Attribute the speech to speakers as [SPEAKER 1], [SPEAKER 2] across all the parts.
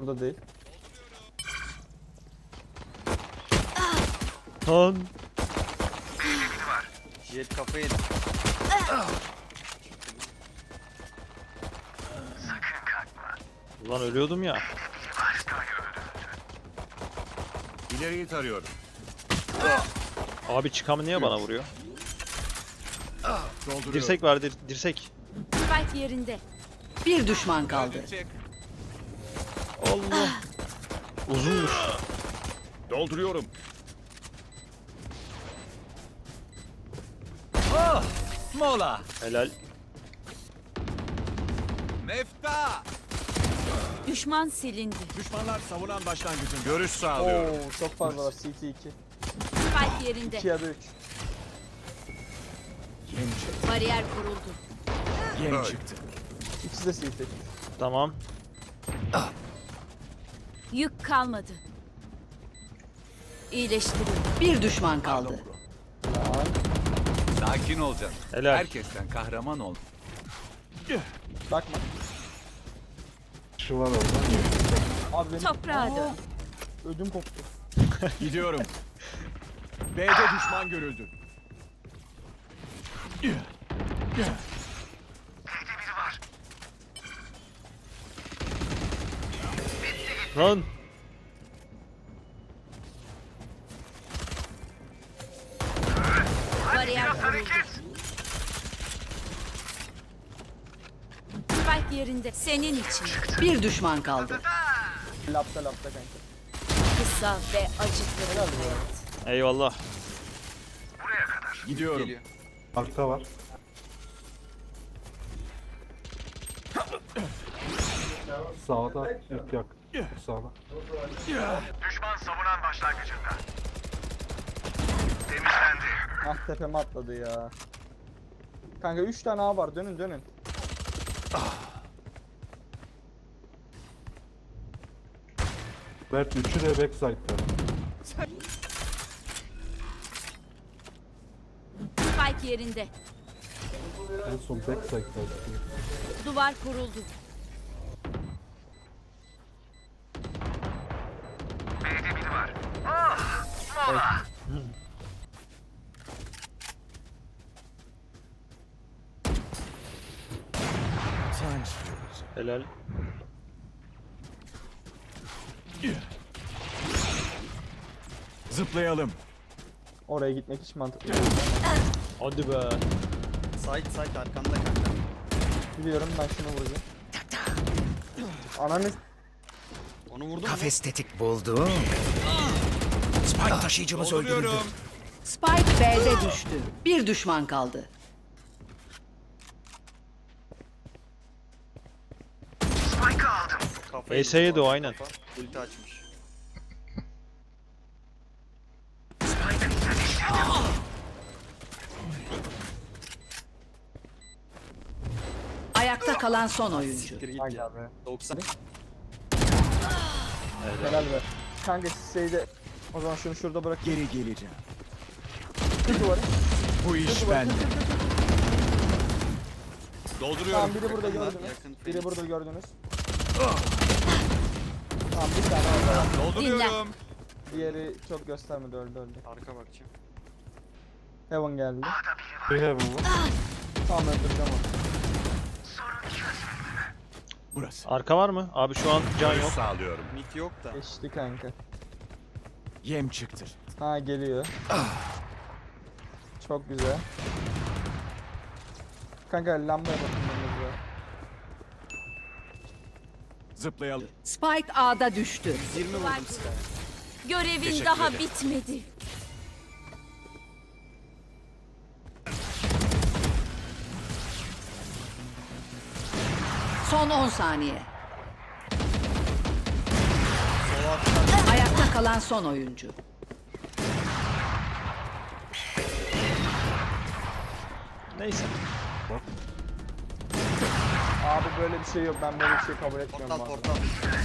[SPEAKER 1] Burada değil.
[SPEAKER 2] Lan.
[SPEAKER 3] Jet kafayı yedi.
[SPEAKER 2] Ulan ölüyordum ya.
[SPEAKER 4] İleriyi tarıyorum.
[SPEAKER 2] Abi çıkamı niye bana vuruyor?
[SPEAKER 4] Dolduruyorum.
[SPEAKER 2] Dirsek var dirsek.
[SPEAKER 5] Spike yerinde.
[SPEAKER 6] Bir düşman kaldı.
[SPEAKER 2] Allah. Uzunmuş.
[SPEAKER 4] Dolduruyorum.
[SPEAKER 3] Mola.
[SPEAKER 2] Helal.
[SPEAKER 4] Mefta!
[SPEAKER 5] Düşman silindi.
[SPEAKER 4] Düşmanlar savunan başlangıcın. Görüş sağlıyorum.
[SPEAKER 1] Oo, çok fazla var. CT 2.
[SPEAKER 5] Spike yerinde.
[SPEAKER 1] 2 ya da 3.
[SPEAKER 5] Bariyer kuruldu.
[SPEAKER 4] Yem çıktı.
[SPEAKER 1] İkisi de CT.
[SPEAKER 2] Tamam.
[SPEAKER 5] Yük kalmadı. İyileştirildi.
[SPEAKER 6] Bir düşman kaldı.
[SPEAKER 1] Lan.
[SPEAKER 4] Sakin olacaksın.
[SPEAKER 2] Helal.
[SPEAKER 4] Herkesten kahraman ol.
[SPEAKER 1] Bakma.
[SPEAKER 7] Şu var orada.
[SPEAKER 1] Abi benim...
[SPEAKER 5] Toprağa dön.
[SPEAKER 1] Ödüm koptu.
[SPEAKER 4] Gidiyorum. B'de düşman görüldü.
[SPEAKER 2] Lan.
[SPEAKER 5] Bariyer kuruldu. Spike yerinde. Senin için.
[SPEAKER 6] Bir düşman kaldı.
[SPEAKER 1] Lapta kanka.
[SPEAKER 5] Kısa ve acıklı.
[SPEAKER 1] Helal be.
[SPEAKER 2] Eyvallah.
[SPEAKER 4] Gidiyorum.
[SPEAKER 3] Geliyor.
[SPEAKER 7] Arka var. Sağda ilk yak. Sağda.
[SPEAKER 1] Ah tepeme atladı ya. Kanka 3 tane A var. Dönün.
[SPEAKER 7] Mert 3'ü de backside'da.
[SPEAKER 5] Spike yerinde.
[SPEAKER 7] En son backside'da.
[SPEAKER 5] Duvar kuruldu.
[SPEAKER 2] Helal.
[SPEAKER 4] Zıplayalım.
[SPEAKER 1] Oraya gitmek hiç mantıklı.
[SPEAKER 2] Hadi be.
[SPEAKER 3] Side arkanda kanka.
[SPEAKER 1] Biliyorum ben şunu vuracağım. Ananı
[SPEAKER 3] Onu vurdun mu?
[SPEAKER 8] Kafes tetik buldum. Spike taşıyıcımız öldürüldü.
[SPEAKER 4] Dolduruyorum.
[SPEAKER 6] Spike B'de düştü. Bir düşman kaldı.
[SPEAKER 3] Kafayı
[SPEAKER 2] ES'ye
[SPEAKER 3] yedi
[SPEAKER 2] de o,
[SPEAKER 3] bu
[SPEAKER 2] aynen.
[SPEAKER 3] kafa. Ulti açmış.
[SPEAKER 6] Ayakta kalan son oyuncu.
[SPEAKER 3] Siktir git
[SPEAKER 1] Hayda
[SPEAKER 3] ya.
[SPEAKER 1] be.
[SPEAKER 3] 90.
[SPEAKER 1] Helal be. Kanka şeyde o zaman şunu şurada bırak.
[SPEAKER 4] Geri geleceğim.
[SPEAKER 1] Kır duvarı.
[SPEAKER 4] Bu iş bende. Dolduruyorum.
[SPEAKER 1] Tamam biri burada
[SPEAKER 3] Yakın lan,
[SPEAKER 1] gördünüz.
[SPEAKER 3] yakın.
[SPEAKER 1] Biri burada gördünüz. Tamam bir tane orada var.
[SPEAKER 4] Dolduruyorum.
[SPEAKER 1] Diğeri çok göstermedi öldü.
[SPEAKER 3] Arka bakacağım.
[SPEAKER 1] Heaven geldi.
[SPEAKER 7] Bir heaven var.
[SPEAKER 1] Tamam öldüreceğim onu.
[SPEAKER 4] Burası.
[SPEAKER 2] Arka var mı? Abi şu an can
[SPEAKER 4] Görüş
[SPEAKER 2] yok.
[SPEAKER 4] sağlıyorum.
[SPEAKER 3] Mid yok da.
[SPEAKER 1] Geçti kanka.
[SPEAKER 4] Yem çıktı.
[SPEAKER 1] Ha geliyor. Çok güzel. Kanka lambaya bakın önümüzde.
[SPEAKER 4] Zıplayalım.
[SPEAKER 6] Spike A'da düştü.
[SPEAKER 3] 20 vurdum size.
[SPEAKER 5] Görevin
[SPEAKER 4] Teşekkür
[SPEAKER 5] daha
[SPEAKER 4] ederim.
[SPEAKER 5] bitmedi.
[SPEAKER 6] Son 10 saniye. Ayakta kalan son oyuncu.
[SPEAKER 2] Neyse.
[SPEAKER 1] Abi böyle bir şey yok. Ben böyle bir şey kabul etmiyorum.
[SPEAKER 3] Portal
[SPEAKER 1] bu arada.
[SPEAKER 3] portal.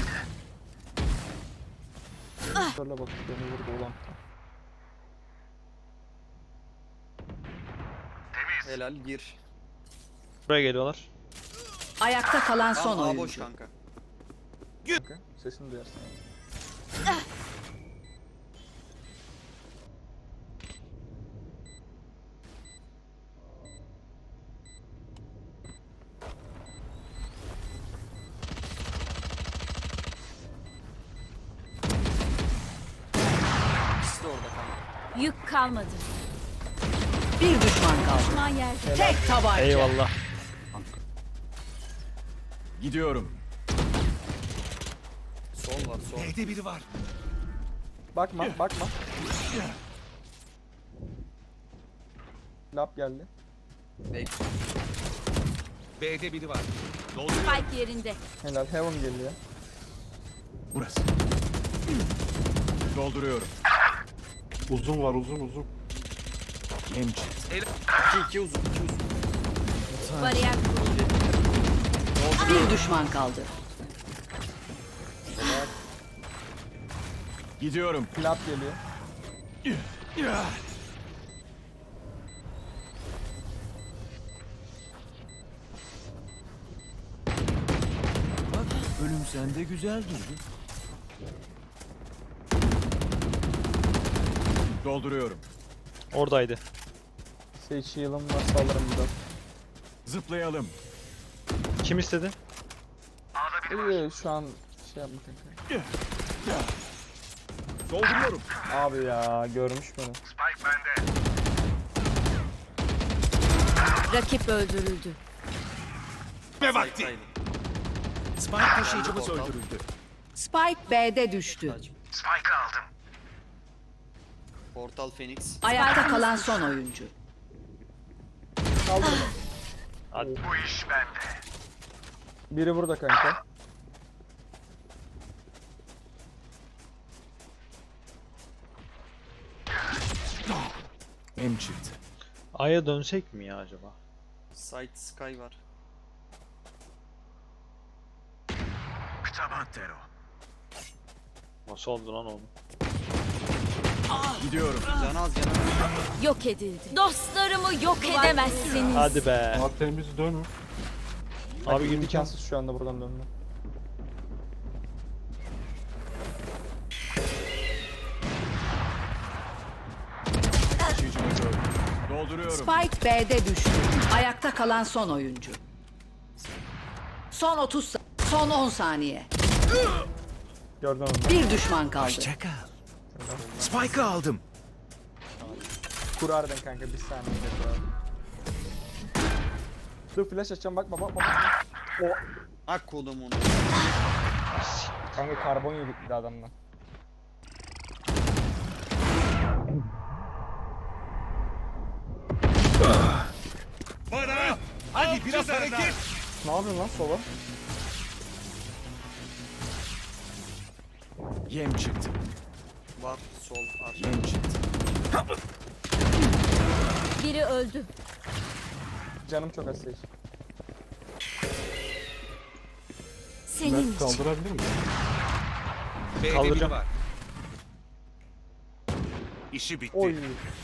[SPEAKER 1] Şöyle bak beni vurdu ulan.
[SPEAKER 3] Helal gir.
[SPEAKER 2] Buraya geliyorlar.
[SPEAKER 6] Ayakta kalan son
[SPEAKER 3] Tamam A boş
[SPEAKER 6] oyuncu.
[SPEAKER 3] kanka.
[SPEAKER 1] Kanka. Sesini duyarsın.
[SPEAKER 3] İkisi de orada kanka.
[SPEAKER 5] Yük kalmadı.
[SPEAKER 6] Bir düşman kaldı.
[SPEAKER 5] Düşman yerde.
[SPEAKER 6] Tek tabanca.
[SPEAKER 2] Eyvallah.
[SPEAKER 4] Gidiyorum.
[SPEAKER 3] Sol var sol.
[SPEAKER 8] B'de biri var.
[SPEAKER 1] Bakma, bakma. Lap geldi.
[SPEAKER 3] Bek.
[SPEAKER 8] B'de biri var.
[SPEAKER 5] Spike yerinde.
[SPEAKER 1] Helal, Heaven geliyor.
[SPEAKER 4] Burası. Dolduruyorum.
[SPEAKER 7] Uzun var uzun.
[SPEAKER 4] Yem çıktı.
[SPEAKER 3] 2 uzun 2 uzun.
[SPEAKER 5] Bariyer kuruldu.
[SPEAKER 6] Bir düşman kaldı.
[SPEAKER 4] Gidiyorum.
[SPEAKER 1] Lap geliyor.
[SPEAKER 8] Bak ölüm sende güzel durdu.
[SPEAKER 4] Dolduruyorum.
[SPEAKER 2] Oradaydı.
[SPEAKER 1] Sage heal'ım varsa alırım biraz.
[SPEAKER 4] Zıplayalım.
[SPEAKER 2] Kim istedi?
[SPEAKER 1] İyi şu an şey yapma kanka.
[SPEAKER 4] Dolduruyorum.
[SPEAKER 1] Abi ya görmüş beni.
[SPEAKER 5] Rakip öldürüldü.
[SPEAKER 8] Ve vakti.
[SPEAKER 3] Saydı.
[SPEAKER 8] Spike taşıyıcımız öldürüldü.
[SPEAKER 6] Spike B'de düştü.
[SPEAKER 8] Spike aldım.
[SPEAKER 3] Portal Phoenix.
[SPEAKER 6] Ayakta kalan son oyuncu.
[SPEAKER 1] Kaldırma.
[SPEAKER 2] Hadi.
[SPEAKER 8] Bu iş bende.
[SPEAKER 1] Biri burada kanka.
[SPEAKER 4] Yem çıktı.
[SPEAKER 2] A'ya dönsek mi ya acaba?
[SPEAKER 3] Side Sky var.
[SPEAKER 8] Taban tero.
[SPEAKER 2] Nasıl oldu lan onu?
[SPEAKER 4] Gidiyorum.
[SPEAKER 3] Can az can az.
[SPEAKER 5] Yok edildi. Dostlarımı yok edemezsiniz.
[SPEAKER 2] Hadi be.
[SPEAKER 7] Ama temiz dönün.
[SPEAKER 2] Abi girdik ya.
[SPEAKER 1] imkansız şu anda buradan dönme.
[SPEAKER 4] Taşıyıcımı gördüm. Dolduruyorum.
[SPEAKER 6] Spike B'de düştü. Ayakta kalan son oyuncu. Son 30 son 10 saniye.
[SPEAKER 1] Gördün onu.
[SPEAKER 6] Bir düşman kaldı.
[SPEAKER 8] Hoşça kal. Spike'ı aldım.
[SPEAKER 1] Kurardın kanka bir saniye kurardın. Dur flash açacağım bakma bakma. O
[SPEAKER 3] Ak kodum onu.
[SPEAKER 1] kanka karbon yedik bir de adamdan.
[SPEAKER 8] Bana. Hadi biraz hareket.
[SPEAKER 1] Ne yapıyorsun lan solo?
[SPEAKER 4] Yem çıktı.
[SPEAKER 3] Var sol arka.
[SPEAKER 4] Yem çıktı.
[SPEAKER 5] Biri öldü.
[SPEAKER 1] Canım çok az Sage.
[SPEAKER 5] Senin
[SPEAKER 7] Ben
[SPEAKER 5] için.
[SPEAKER 7] kaldırabilir miyim?
[SPEAKER 8] B'de biri
[SPEAKER 2] Kaldıracağım.
[SPEAKER 8] var. İşi bitti.
[SPEAKER 1] Oy.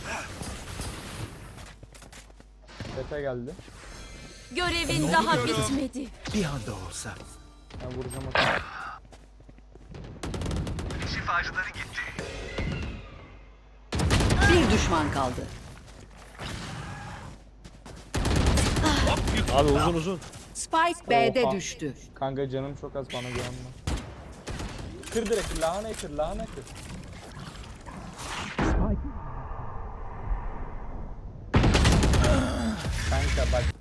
[SPEAKER 1] Tepe geldi.
[SPEAKER 5] Görevin daha bitmedi.
[SPEAKER 8] Bir anda olsa.
[SPEAKER 1] Ben vuracağım o kadar.
[SPEAKER 8] Şifacıları gitti.
[SPEAKER 6] Bir düşman kaldı.
[SPEAKER 2] Abi uzun uzun.
[SPEAKER 6] Spike B'de
[SPEAKER 1] Oha.
[SPEAKER 6] düştü.
[SPEAKER 1] Kanka canım çok az bana güvenme. Kır direkt lahana kır lahana kır. Kanka bak.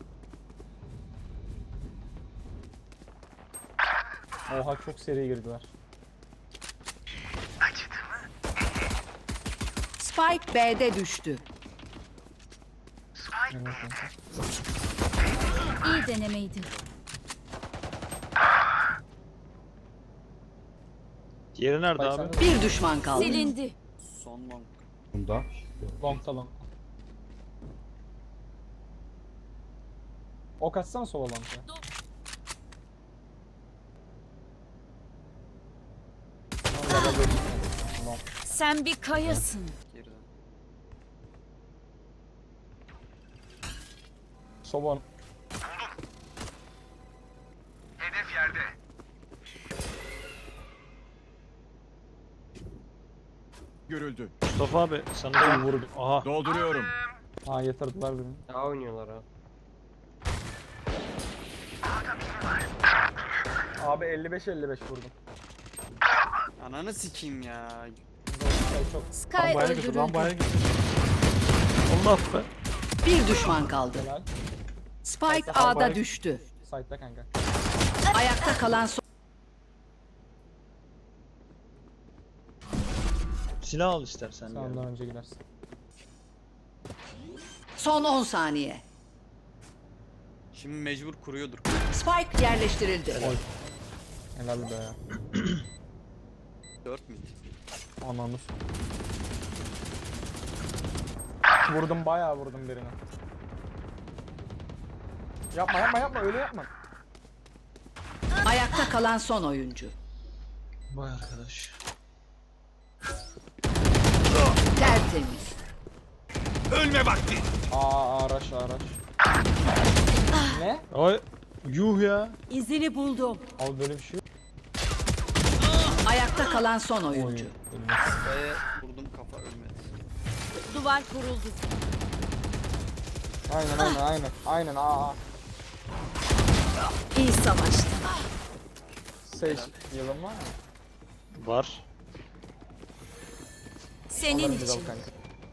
[SPEAKER 1] Oha çok seri girdiler.
[SPEAKER 6] Spike B'de düştü.
[SPEAKER 5] İyi denemeydi.
[SPEAKER 2] Diğeri nerede
[SPEAKER 1] Bak
[SPEAKER 2] abi?
[SPEAKER 1] sen
[SPEAKER 6] Bir düşman kaldı.
[SPEAKER 5] Silindi.
[SPEAKER 3] Son long.
[SPEAKER 7] Bunda.
[SPEAKER 1] long talon. Ok atsana sola long'a. Long.
[SPEAKER 5] Sen bir kayasın.
[SPEAKER 3] Geriden.
[SPEAKER 1] Soba
[SPEAKER 8] Hedef yerde.
[SPEAKER 4] görüldü.
[SPEAKER 2] Mustafa abi sana da vurdu. Aha.
[SPEAKER 4] Dolduruyorum.
[SPEAKER 1] Aa yatırdılar beni.
[SPEAKER 9] Daha oynuyorlar ha.
[SPEAKER 1] Abi 55-55 vurdum.
[SPEAKER 3] Ananı sikeyim ya.
[SPEAKER 1] Çok
[SPEAKER 5] Sky
[SPEAKER 7] Lambaya git, lambaya
[SPEAKER 5] öldürüldü.
[SPEAKER 7] git.
[SPEAKER 2] Allah be.
[SPEAKER 6] Bir düşman kaldı.
[SPEAKER 1] helal.
[SPEAKER 6] Spike A'da düştü.
[SPEAKER 1] Site'da kanka.
[SPEAKER 6] Ayakta kalan son...
[SPEAKER 2] Silah al istersen.
[SPEAKER 1] Sen
[SPEAKER 2] ya.
[SPEAKER 1] ondan önce gidersin.
[SPEAKER 6] Son 10 saniye.
[SPEAKER 3] Şimdi mecbur kuruyordur.
[SPEAKER 6] Spike yerleştirildi.
[SPEAKER 1] Helal be ya.
[SPEAKER 3] 4 mid.
[SPEAKER 1] Ananı s- Vurdum bayağı vurdum birine. Yapma yapma yapma öyle yapma.
[SPEAKER 6] Ayakta kalan son oyuncu.
[SPEAKER 2] Vay arkadaş.
[SPEAKER 6] Tertemiz.
[SPEAKER 8] Ölme vakti.
[SPEAKER 1] Araç araç. Ne?
[SPEAKER 2] Ay yuh ya.
[SPEAKER 5] İzini buldum.
[SPEAKER 1] Abi böyle bir şey yok.
[SPEAKER 6] Ayakta kalan son
[SPEAKER 1] Oy,
[SPEAKER 6] oyuncu.
[SPEAKER 1] ölmez.
[SPEAKER 3] Kafaya vurdum kafa ölmedi.
[SPEAKER 5] Duvar kuruldu.
[SPEAKER 1] Aynen aa.
[SPEAKER 5] İyi savaştı.
[SPEAKER 1] Sage yılın var mı?
[SPEAKER 2] Var.
[SPEAKER 5] Senin
[SPEAKER 1] Alırız al
[SPEAKER 5] için.
[SPEAKER 1] kanka.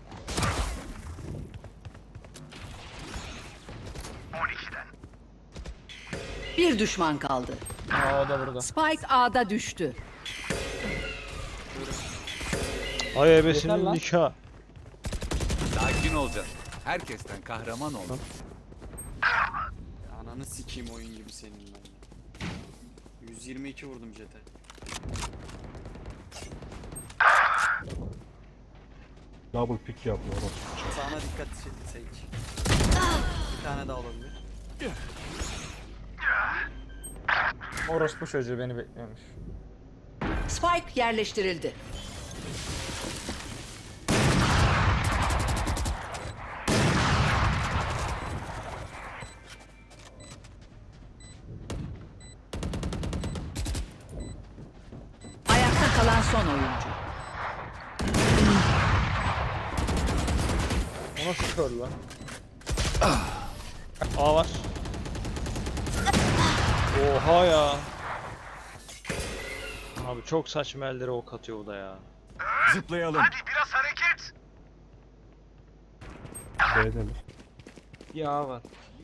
[SPEAKER 6] Bir düşman kaldı.
[SPEAKER 1] Aa o da burada.
[SPEAKER 6] Spike A'da düştü.
[SPEAKER 2] Ay
[SPEAKER 1] Yeter
[SPEAKER 2] ebesinin
[SPEAKER 1] lan.
[SPEAKER 2] nikah.
[SPEAKER 4] Sakin olacağız. Herkesten kahraman ol.
[SPEAKER 3] Ananı sikeyim oyun gibi senin ben ya. 122 vurdum jete.
[SPEAKER 7] Double pick yapıyor orası.
[SPEAKER 3] Sağına dikkat Sage. Bir tane daha olabilir.
[SPEAKER 1] Orospu çocuğu beni bekliyormuş.
[SPEAKER 6] Spike yerleştirildi. Ayakta kalan son oyuncu.
[SPEAKER 1] O nasıl kör lan?
[SPEAKER 2] A var. Oha ya. Abi çok saçma ellere ok atıyor o da ya.
[SPEAKER 4] Zıplayalım.
[SPEAKER 7] B'de mi?
[SPEAKER 9] Ya var.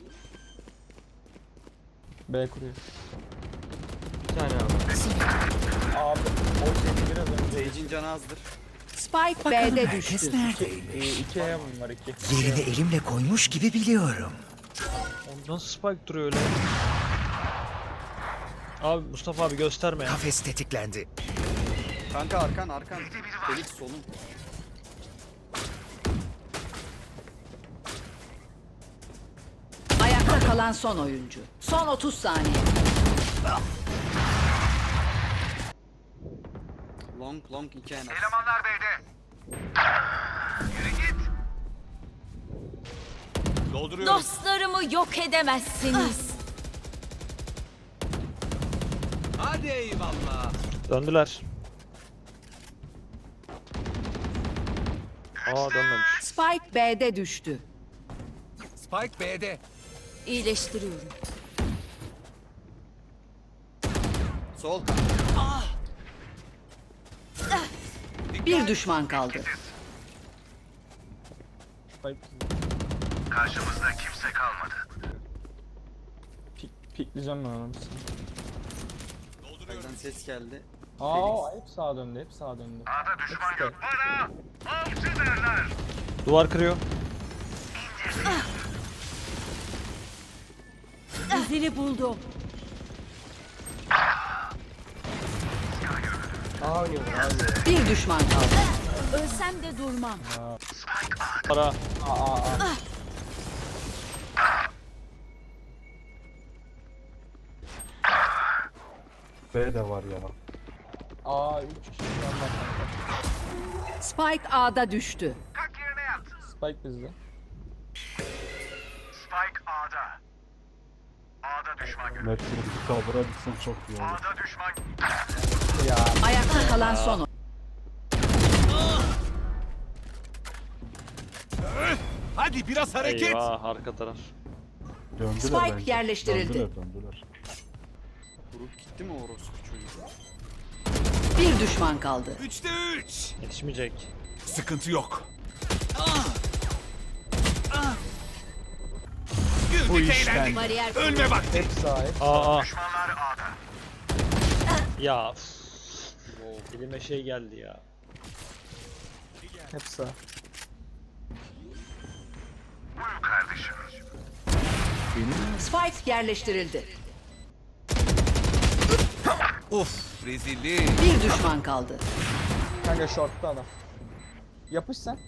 [SPEAKER 1] B kuruyor.
[SPEAKER 9] Bir tane abi.
[SPEAKER 1] Abi o şey biraz önce
[SPEAKER 3] Sage'in canı azdır.
[SPEAKER 6] Spike B'de
[SPEAKER 8] Herkes
[SPEAKER 6] düştü.
[SPEAKER 8] neredeymiş?
[SPEAKER 1] 2 Heaven var 2.
[SPEAKER 8] Yerini elimle koymuş gibi biliyorum.
[SPEAKER 2] Oğlum nasıl spike duruyor öyle? Abi Mustafa abi gösterme ya.
[SPEAKER 8] Kafes tetiklendi.
[SPEAKER 3] Kanka arkan. Felix solun.
[SPEAKER 6] Ayakta kalan son oyuncu. Son 30 saniye.
[SPEAKER 3] Long 2 en az.
[SPEAKER 4] Dolduruyorum.
[SPEAKER 5] Dostlarımı yok edemezsiniz.
[SPEAKER 4] Hadi eyvallah.
[SPEAKER 2] Döndüler. Aa dönmemiş.
[SPEAKER 6] Spike B'de düştü.
[SPEAKER 4] Spike B'de.
[SPEAKER 5] İyileştiriyorum.
[SPEAKER 3] Sol.
[SPEAKER 6] Bir düşman kaldı.
[SPEAKER 1] Pikleyeceğim ben onu.
[SPEAKER 3] Elden ses geldi.
[SPEAKER 1] Aa hep sağa döndü, hep sağa döndü.
[SPEAKER 2] Duvar kırıyor.
[SPEAKER 5] İzini buldum.
[SPEAKER 9] Daha oynuyorlar abi.
[SPEAKER 6] Bir düşman kaldı.
[SPEAKER 5] Ölsem de durmam.
[SPEAKER 2] Para.
[SPEAKER 7] B de var ya.
[SPEAKER 1] Aa 3 kişi yan bak kanka.
[SPEAKER 6] Spike A'da düştü.
[SPEAKER 1] Spike bizde.
[SPEAKER 7] Metro bir kaldıra bitsin çok iyi olur.
[SPEAKER 1] Ya
[SPEAKER 6] Ayakta kalan son oyuncu.
[SPEAKER 4] Hadi biraz hareket.
[SPEAKER 2] Eyvah arka taraf.
[SPEAKER 7] Döndüler
[SPEAKER 6] Spike
[SPEAKER 7] bence.
[SPEAKER 6] yerleştirildi.
[SPEAKER 7] Döndüler.
[SPEAKER 3] Vurup gitti mi orospu çocuğu?
[SPEAKER 6] Bir düşman kaldı.
[SPEAKER 4] 3'te 3.
[SPEAKER 2] Yetişmeyecek.
[SPEAKER 4] Sıkıntı yok. Güldük eğlendik.
[SPEAKER 5] Bariyer
[SPEAKER 4] Ölme vakti.
[SPEAKER 1] Hep sahip.
[SPEAKER 2] Aa. Ya. Elime şey geldi ya.
[SPEAKER 1] Hep sağ.
[SPEAKER 6] Spike yerleştirildi.
[SPEAKER 4] Of rezillik.
[SPEAKER 6] Bir düşman kaldı.
[SPEAKER 1] Kanka shortta adam. Yapış sen.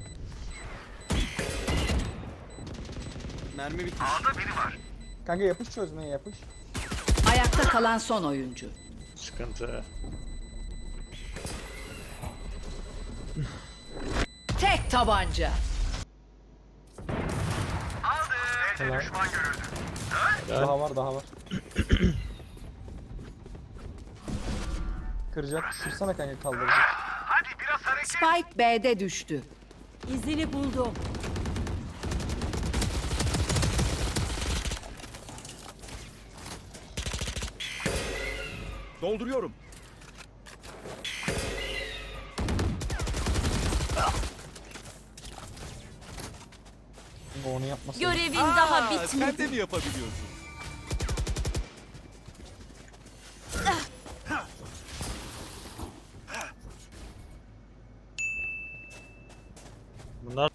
[SPEAKER 3] Mermi bitti.
[SPEAKER 1] Kanka yapış çözmeye yapış.
[SPEAKER 6] Ayakta kalan son oyuncu.
[SPEAKER 2] Sıkıntı.
[SPEAKER 6] Tek tabanca.
[SPEAKER 2] Helal.
[SPEAKER 1] Daha var daha var. Kıracak. Kırsana kanka kaldıracak.
[SPEAKER 6] Spike B'de düştü.
[SPEAKER 5] İzini buldum.
[SPEAKER 4] Dolduruyorum.
[SPEAKER 1] Onu yapmasın.
[SPEAKER 5] Görevin daha
[SPEAKER 4] Sen de
[SPEAKER 5] bitmedi.
[SPEAKER 4] mi yapabiliyorsun?
[SPEAKER 2] Bunlar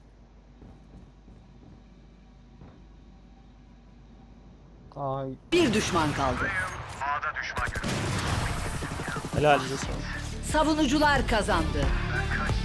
[SPEAKER 1] Ay
[SPEAKER 6] Bir düşman kaldı.
[SPEAKER 2] helal.
[SPEAKER 6] Savunucular kazandı.